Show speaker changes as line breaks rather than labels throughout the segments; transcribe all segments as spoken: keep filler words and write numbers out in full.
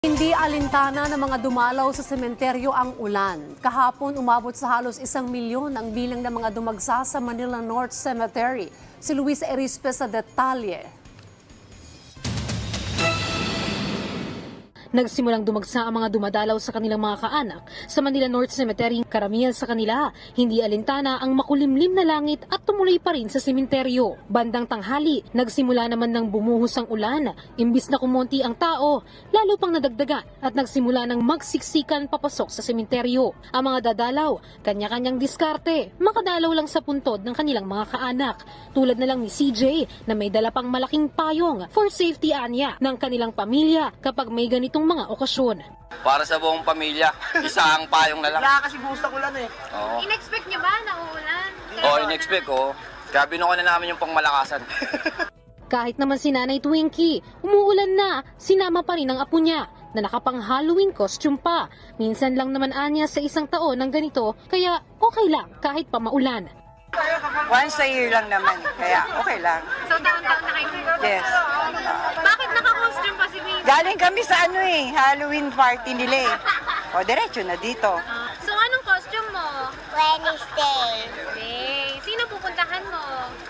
Hindi alintana ng mga dumalaw sa sementeryo ang ulan. Kahapon umabot sa halos isang milyon ang bilang ng mga dumagsa sa Manila North Cemetery. Si Luis Erispe sa detalye.
Nagsimulang dumagsa ang mga dumadalaw sa kanilang mga kaanak sa Manila North Cemetery. Karamihan sa kanila, hindi alintana ang makulimlim na langit at tumuloy pa rin sa sementeryo. Bandang tanghali, nagsimula naman ng bumuhos ang ulan. Imbis na kumonti ang tao, lalo pang nadagdagan at nagsimula ng magsiksikan papasok sa sementeryo. Ang mga dadalaw, kanya-kanyang diskarte, makadalaw lang sa puntod ng kanilang mga kaanak. Tulad na lang ni C J na may dala pang malaking payong for safety anya ng kanilang pamilya kapag may ganitong mga okasyon.
Para sa buong pamilya, isang payong na lang.
Wala kasi gusto ko lang eh.
Oo.
In-expect niyo ba na uulan?
Oo, in-expect ko. Kaya binuko na namin yung pangmalakasan.
Kahit naman si Nanay Twinkie, umuulan na, sinama pa rin ang apo niya na nakapang Halloween costume pa. Minsan lang naman anya sa isang taon ng ganito, kaya okay lang kahit pa maulan.
Once a year lang naman, kaya okay lang.
So, taon-taon na kayo?
Yes.
Bakit naka-costume pa si Baby?
Galing kami sa ano eh, Halloween party nila eh. O, diretso na dito.
So, anong costume mo?
Wednesday.
Hey, sino pupuntahan mo?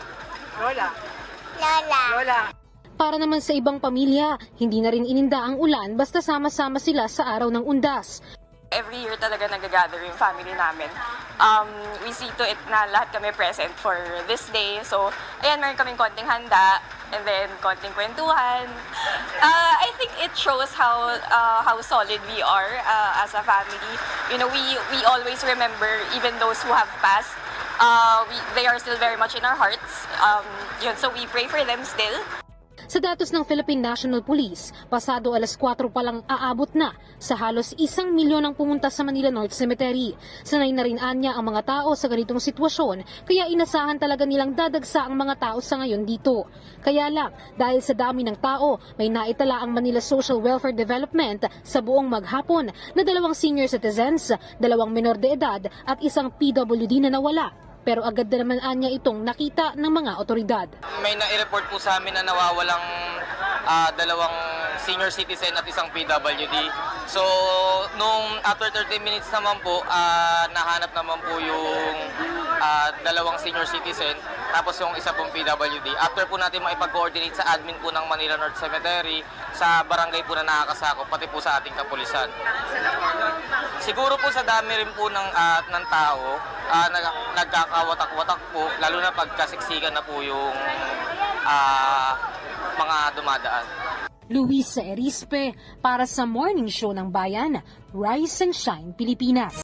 Lola.
Lola.
Lola.
Para naman sa ibang pamilya, hindi na rin ininda ang ulan basta sama-sama sila sa araw ng undas.
Every year talaga nag-gather yung family namin. Um, we see to it na lahat kami present for this day. So, ayan, meron kaming konting handa and then konting kwentuhan. Uh, I think it shows how uh, how solid we are uh, as a family. You know, we we always remember even those who have passed. Uh, we, they are still very much in our hearts. Um, yun, so we pray for them still.
Sa datos ng Philippine National Police, pasado alas kwatro pa lang aabot na sa halos isang milyon ang pumunta sa Manila North Cemetery. Sanay na rin anya ang mga tao sa ganitong sitwasyon, kaya inasahan talaga nilang dadagsa ang mga tao sa ngayon dito. Kaya lang, dahil sa dami ng tao, may naitala ang Manila Social Welfare Development sa buong maghapon na dalawang senior citizens, dalawang menor de edad at isang P W D na nawala. Pero agad na naman anya itong nakita ng mga otoridad.
May na-report po sa amin na nawawalang uh, dalawang senior citizen at isang P W D. So, nung after thirty minutes naman po, uh, nahanap naman po yung uh, dalawang senior citizen, tapos yung isa pong P W D. After po natin maipag-coordinate sa admin po ng Manila North Cemetery, sa barangay po na nakakasakop, pati po sa ating kapulisan. Siguro po sa dami rin po ng, uh, ng tao, uh, nag nagkakawatak-watak po, lalo na pagkasiksikan na po yung uh, mga dumadaan.
Luis Erispe para sa Morning Show ng Bayan, Rise and Shine Pilipinas.